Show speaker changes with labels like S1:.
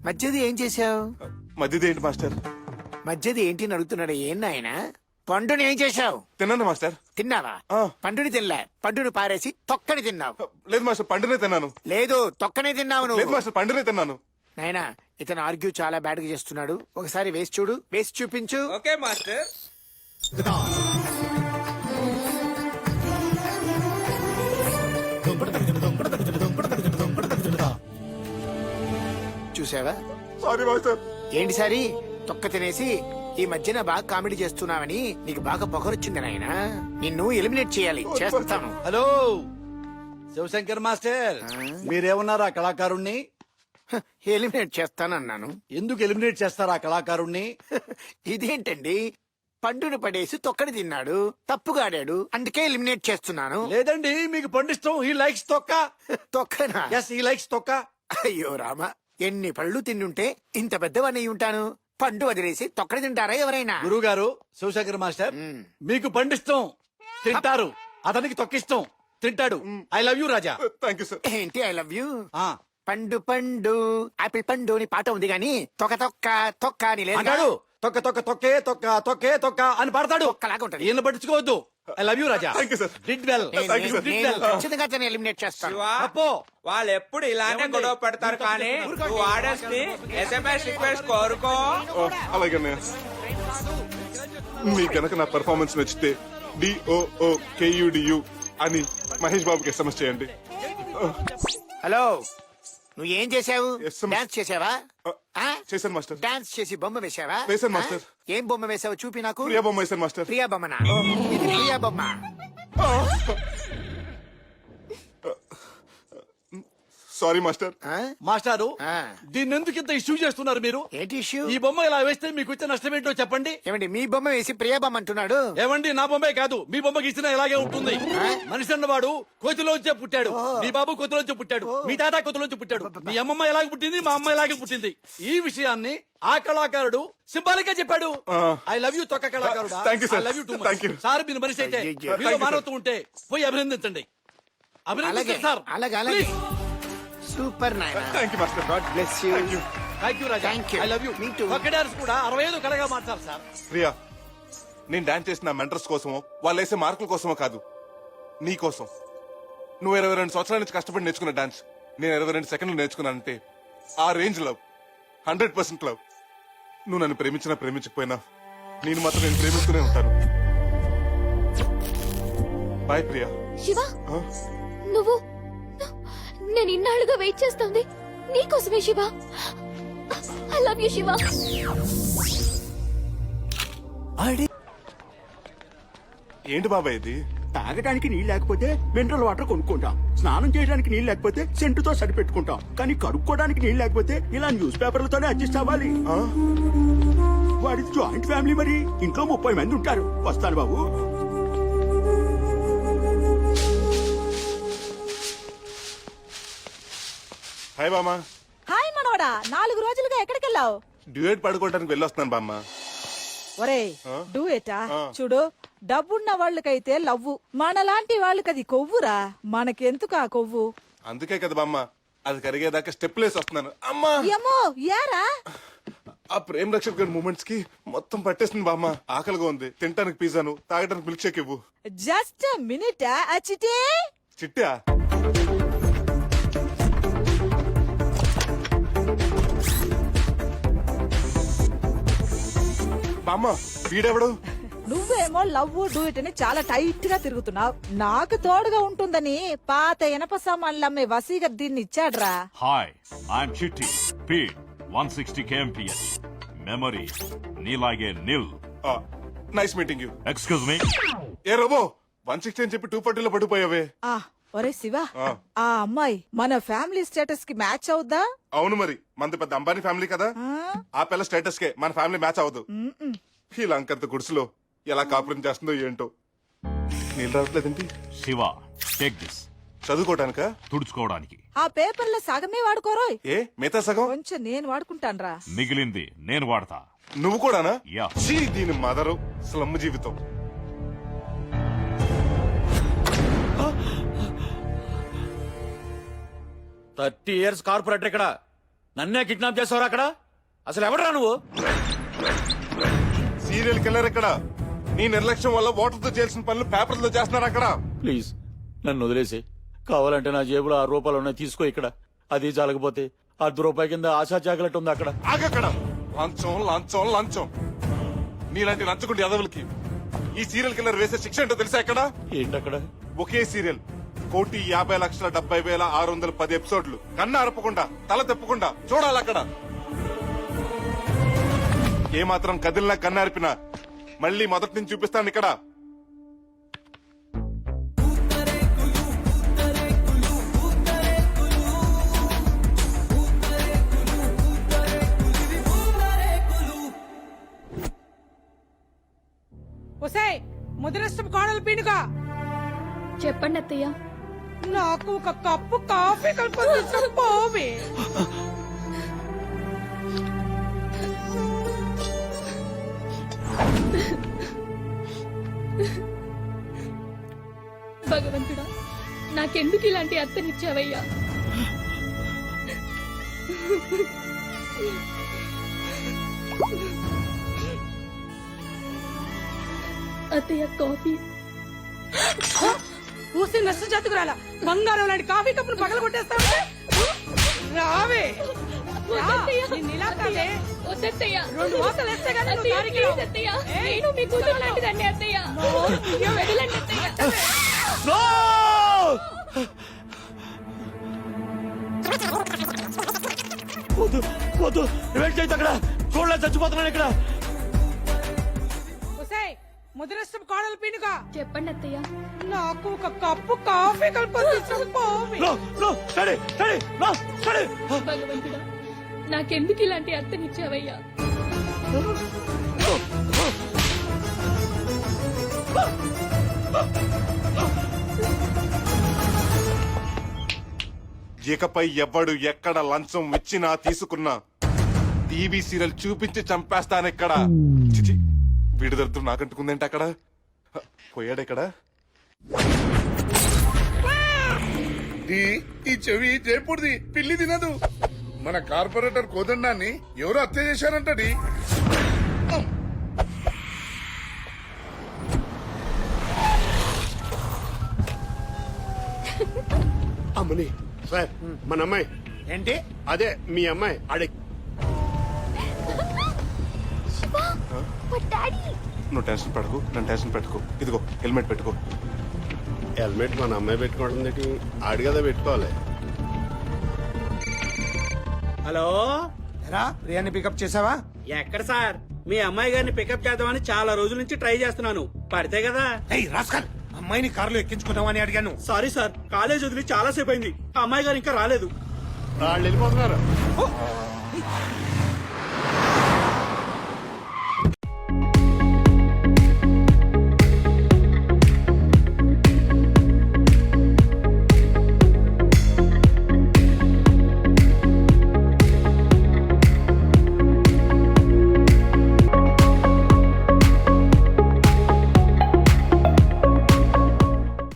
S1: మధ్యది ఏం చేశావు?
S2: మధ్యది ఏంటి మాస్టర్?
S1: మధ్యది ఏంటి అని అడుగుతున్నాడు. ఏం నాయనా? పండుని ఏం చేశావు?
S2: తిన్నాను మాస్టర్.
S1: తిన్నావా?
S2: ఆ.
S1: పండుని తినలే, పండుని పారేసి తొక్కని తిన్నావు.
S2: లేదు మాస్టర్, పండునే తిన్నాను.
S1: లేదు, తొక్కనే తిన్నావు
S2: లేదు
S1: నువ్వు.
S2: మాస్టర్, పండునే తిన్నాను.
S1: నాయనా, ఇతను ఆర్గ్యూ చాలా బ్యాడ్ గా చేస్తున్నాడు. ఒకసారి వేసి చూడు, వేసి చూపించు.
S3: Okay master.
S1: చూసావా?
S2: Sorry master.
S1: ఏంటి సారి తొక్క తినేసి ఈ మధ్యన బాగా కామెడీ చేస్తున్నావని నీకు బాగా పొగరొచ్చింది నాయనా. నిన్ను ఎలిమినేట్ చేయాలి, చేస్తాను.
S4: హలో శివశంకర్ మాస్టర్, మీరేమన్నారు ఆ కళాకారుణ్ణి?
S1: ఎలిమినేట్ చేస్తానన్నాను.
S4: ఎందుకు ఎలిమినేట్ చేస్తారు ఆ కళాకారుణ్ణి?
S1: ఇదేంటండి, పండుని పడేసి తొక్కని తిన్నాడు, తప్పుగా ఆడాడు, అందుకే ఎలిమినేట్ చేస్తున్నాను.
S4: లేదండి, మీకు పండిష్టం. హీ లైక్స్ తొక్క.
S1: తొక్కనా?
S4: ఎస్, హీ లైక్స్ తొక్క.
S1: అయ్యో రామ, ఎన్ని పళ్ళు తిండుంటే ఇంత పెద్దవాణ్ణి ఉంటాను. పండు వదిలేసి తొక్కని తింటారా ఎవరైనా?
S4: గురువు గారు, శివశంకర్ మాస్టర్, మీకు పండిష్టం, తింటారు. అతనికి తొక్కిష్టం, తింటాడు. I love you Raja.
S2: Thank you sir.
S1: ఏంటి ఐ లవ్ యూ?
S4: ఆ,
S1: పండు పండు ఆపిల్ పండు అని పాట ఉంది గాని తొక్క తొక్క తొక్క అని లేదు.
S4: అంటాడు. తొక్క తొక్క తొక్కే తొక్క తొక్కే తొక్క అని పాడతాడు.
S1: తొక్కలాగా ఉంటది.
S4: ఈయన పట్టించుకోవద్దు. I love you Raja.
S2: Thank you sir.
S4: Did well.
S2: Thank you, sir.
S1: ఖచ్చితంగా తను ఎలిమినేట్ చేస్తాను.
S3: శివా,
S4: అప్పో.
S3: వాళ్ళు ఎప్పుడు ఇలానే గొడవ పెడతారు కానీ నువ్వు ఆడేసి SMS రిక్వెస్ట్ కోరుకో.
S2: అలాగే అన్నయ్య. మీకు గనక నా పెర్ఫార్మెన్స్ నచ్చితే DOOKUDU అని మహేష్ బాబుకి SMS చేయండి.
S1: హలో, నువ్వు ఏం చేసావు?
S2: Yes, sir.
S1: డాన్స్ చేసావా?
S2: చేశాను మాస్టర్.
S1: డాన్స్ చేసి బొమ్మ వేసావా?
S2: వేశాను, మాస్టర్.
S1: ఏం బొమ్మ వేసావు చూపి నాకు.
S2: ప్రియా బొమ్మ వేశాను మాస్టర్.
S1: ప్రియా బొమ్మనా? ఇది ప్రియా బొమ్మ.
S2: Sorry master.
S4: మాస్టారు,
S1: ఆ.
S4: దీన్ని ఎందుకు ఇంత ఇష్యూ చేస్తున్నారు మీరు?
S1: ఏంటి ఇష్యూ?
S4: ఈ బొమ్మ ఇలా వేస్తే మీకు వచ్చే నష్టం ఏంటో చెప్పండి.
S1: ఏమండి, మీ బొమ్మ వేసి ప్రియా బొమ్మ అంటున్నాడు.
S4: ఏమండి, నా బొమ్మే కాదు, మీ బొమ్మ గీసినా ఇలాగే ఉంటుంది. మనిషి అన్నవాడు కోతిలోంచే పుట్టాడు. మీ బాబు కోతిలోంచి పుట్టాడు, మీ తాత కోతిలోంచి పుట్టాడు, మీ అమ్మమ్మ ఎలాగే పుట్టింది, మా అమ్మ ఎలాగే పుట్టింది. ఈ విషయాన్ని ఆ కళాకారుడు సింబాలిక్ గా చెప్పాడు. ఐ లవ్ యూ తొక్క కళాకారుడు.
S2: Thank you, sir.
S4: I love you too
S2: Thank you.
S4: Sir, మీరు మనిషి అయితే
S1: అయ్యయ్యో.
S4: మీలో
S2: Thank you,
S4: మానవత్వం ఉంటే పోయి అభినందించండి.
S1: అలాగే
S4: అభినందించండి సార్.
S1: అలాగే అలాగే.
S4: Please.
S1: సూపర్ నాయనా.
S2: Thank you master.
S1: God bless you.
S4: Thank you Raja.
S1: Thank you.
S4: I love you.
S1: Me too.
S4: ఒక్క డాన్స్ కూడా 65 కళగా మార్చారు సార్.
S2: ప్రియా, నేను డాన్స్ చేసిన మెంటర్స్ కోసమో వాళ్ళు వేసే మార్కుల కోసమో కాదు, నీ కోసం. నువ్వు 22 సంవత్సరాల నుంచి కష్టపడి నేర్చుకున్న డాన్స్ నేను 22 సెకండ్లు నేర్చుకున్నానంటే ఆ రేంజ్ లవ్, 100% లవ్. నువ్వు నన్ను ప్రేమించినా ప్రేమించకపోయినా నేను మాత్రం నేను ప్రేమిస్తూనే ఉంటాను. బాయ్ ప్రియా.
S5: శివ, నువ్వు నేను ఇన్నాళ్ళుగా వెయిట్ చేస్తుంది నీకోసమే Shiva. I love you Shiva.
S2: ఏంటి బాబాయ్ ఇది?
S6: తాగడానికి నీళ్ళు లేకపోతే మినరల్ వాటర్ కొనుక్కుంటాం. స్నానం చేయడానికి నీళ్ళు లేకపోతే సెంటుతో సరిపెట్టుకుంటాం. కానీ కడుక్కోవడానికి నీళ్ళు లేకపోతే ఇలా న్యూస్ పేపర్లతోనే అడ్జస్ట్ అవ్వాలి. వాడి జాయింట్ ఫ్యామిలీ, మరి ఇంట్లో 30 మంది ఉంటారు. వస్తాను బాబు.
S2: హాయ్ బామ్మ.
S7: హాయ్ మనోడా, 4 రోజులుగా ఎక్కడికెళ్ళావు?
S2: డ్యూయట్ పడుకోవడానికి వెళ్ళొస్తున్నాను బామ్మ.
S7: ఒరే, డూయేటా? చూడు, డబ్బున్న వాళ్ళకైతే లవ్వు, మనలాంటి వాళ్ళకి అది కొవ్వురా. మనకెందుకు ఆ కొవ్వు?
S2: అందుకే కదా బామ్మ అది కరిగేదాకా స్టెప్ లేసి వస్తున్నాను. అమ్మా,
S7: ఏమో యారా,
S2: ఆ ప్రేమ్ రక్షక్ గారి మూమెంట్స్ కి మొత్తం పట్టేస్తుంది బామ్మ. ఆకలిగా ఉంది, తినడానికి పిజ్జాను, తాగడానికి మిల్క్ షేక్ ఇవ్వు.
S7: Just minute. అచ్చిటే
S2: చిట్టా? బామ్మ, వీడెవడు?
S7: నువ్వేమో లవ్ డూయిట్ అని చాలా టైట్ గా తిరుగుతున్నావు. నాకు తోడుగా ఉంటుందని పాత ఇనప సామాన్లు అమ్మే వసీగర్ దీన్ని ఇచ్చాడ్రా.
S8: Hi, I'm Chitti. Speed 160 kmph. Memory నీలాగే నిల్.
S2: Nice meeting you.
S8: Excuse me.
S2: ఏ రోబో, 160 అని చెప్పి 240 లో పడిపోయావే.
S7: ఆ ఒరే శివ, ఆ అమ్మాయి మన ఫ్యామిలీ స్టేటస్ కి మ్యాచ్ అవుద్దా?
S2: అవును, మరి మనది పెద్ద అంబానీ ఫ్యామిలీ కదా. ఆ పిల్ల స్టేటస్ కే మన ఫ్యామిలీ మ్యాచ్ అవ్వదు. ఈ లంకంత గుడిసెలో ఎలా కాపురం చేస్తుందో ఏంటో. నీళ్ళు రావట్లేదండి.
S8: Shiva, take this.
S2: చదువుకోవడానికా?
S8: తుడుచుకోవడానికి.
S7: ఆ పేపర్లో సగమే వాడుకోరోయ్.
S2: ఏ మిగతా సగం?
S7: కొంచెం నేను వాడుకుంటాన్రా.
S8: మిగిలింది నేను వాడతా.
S2: నువ్వు కూడానా?
S8: యా.
S2: ఛీ, దీని మదరు స్లమ్ జీవితం.
S4: 30 years కార్పొరేటర్ ఇక్కడ నన్నే కిడ్నాప్ చేస్తావరా అక్కడ? అసలు ఎవడరా నువ్వు?
S2: సీరియల్ కిల్లర్ ఇక్కడ. నీ నిర్లక్ష్యం వల్ల ఓటర్తో చేయాల్సిన పనులు పేపర్లతో చేస్తున్నారు అక్కడ.
S4: ప్లీజ్ నన్ను వదిలేసి, కావాలంటే నా జేబులో 6 రూపాయలు ఉన్నాయి, తీసుకో. ఇక్కడ అది చాలకపోతే 10 రూపాయల కింద ఆశా చాకలెట్ ఉంది అక్కడ.
S2: ఆగక్కడ. లంచం లంచం లంచం. నీలాంటి లంచగుండి ఎదవులకి ఈ సీరియల్ కిల్లర్ వేసే శిక్ష ఏంటో తెలుసా ఎక్కడ?
S4: ఏంటక్కడ?
S2: ఒకే సీరియల్ 1,50,70,610 ఎపిసోడ్లు. కన్ను అరపకుండా తల తెప్పకుండా చూడాలి అక్కడ. ఏమాత్రం కదిలినా కన్ను అరిపినా మళ్ళీ మొదటి నుంచి చూపిస్తాను ఇక్కడ.
S7: ఒసే ముదిరష్టం కోడలు పీనుగా,
S5: చెప్పండి అత్తయ్య.
S7: నాకు ఒక కప్పు కాఫీ కలుపుకొని పోవే.
S5: భగవంతుడా, నాకెందుకు ఇలాంటి అత్తనిచ్చావయ్యా? అత్తయ్య, కాఫీ.
S7: పూసి నష్ట జాతకురాల బంగారం లాంటి కాఫీ కప్పును పగల కొట్టేస్తావే. రావే.
S5: వద్దత్తయ్య,
S7: నిన్ను ఇలా కాదే.
S5: వద్దత్తయ్య.
S7: 2 వాతలు వేస్తే గానీ నువ్వు
S5: అత్తయ్య,
S7: దారికి
S5: ప్లీజ్
S7: రావు.
S5: అత్తయ్య.
S7: ఏయ్,
S5: నేను మీ కూతురు లాంటిదండి అత్తయ్య. వదలండి అత్తయ్య.
S4: No! వద్దు వద్దు, వెయిట్ చేయొద్దు అక్కడ. చూడలే, చచ్చిపోతున్నాను ఇక్కడ.
S7: ఒసే ముదిరష్టం కోడలు పీనుగా,
S5: చెప్పండి అత్తయ్య.
S7: నాకు ఒక కప్పు కాఫీ కలుపుకొని పోవే.
S4: No, no, steady, steady, no, steady.
S5: భగవంతుడా, నాకెందుకు ఇలాంటి అత్తనిచ్చావయ్యా?
S2: ఇకపై ఎవ్వడు ఎక్కడ లంచం ఇచ్చినా తీసుకున్నా టీవీ సీరియల్ చూపించి చంపేస్తానెక్కడ. చిచి, వీడి దరిద్రం నాకంటుకుందేంటి అక్కడ? పోయాడెక్కడ?
S9: ఈ చెవి జైపూర్ది పిల్లి తినదు. మన కార్పొరేటర్ కోదండాన్ని ఎవరు హత్య చేశారంటది.
S6: అమ్మని సార్, మన అమ్మాయి.
S1: ఏంటి?
S6: అదే మీ అమ్మాయి.
S2: నువ్వు టెన్షన్ పడకు, నన్ను టెన్షన్ పెట్టుకో. ఇదిగో హెల్మెట్ పెట్టుకో.
S6: హెల్మెట్ మన అమ్మాయి పెట్టుకోవడం ఆడి కదా పెట్టుకోవాలి.
S3: హలో,
S1: ప్రియాని పికప్ చేసావా?
S3: ఎక్కడ సార్? మీ అమ్మాయి గారిని పికప్ చేద్దామని చాలా రోజుల నుంచి ట్రై చేస్తున్నాను. పడితే కదా.
S1: రాస్కల్, అమ్మాయిని కారులో ఎక్కించుకుందామని అడిగాను.
S3: సారీ సార్, కాలేజ్ వదిలి చాలా సేపు అయింది. ఆ అమ్మాయి గారు ఇంకా రాలేదు.
S6: వాళ్ళు వెళ్ళిపోతున్నారు.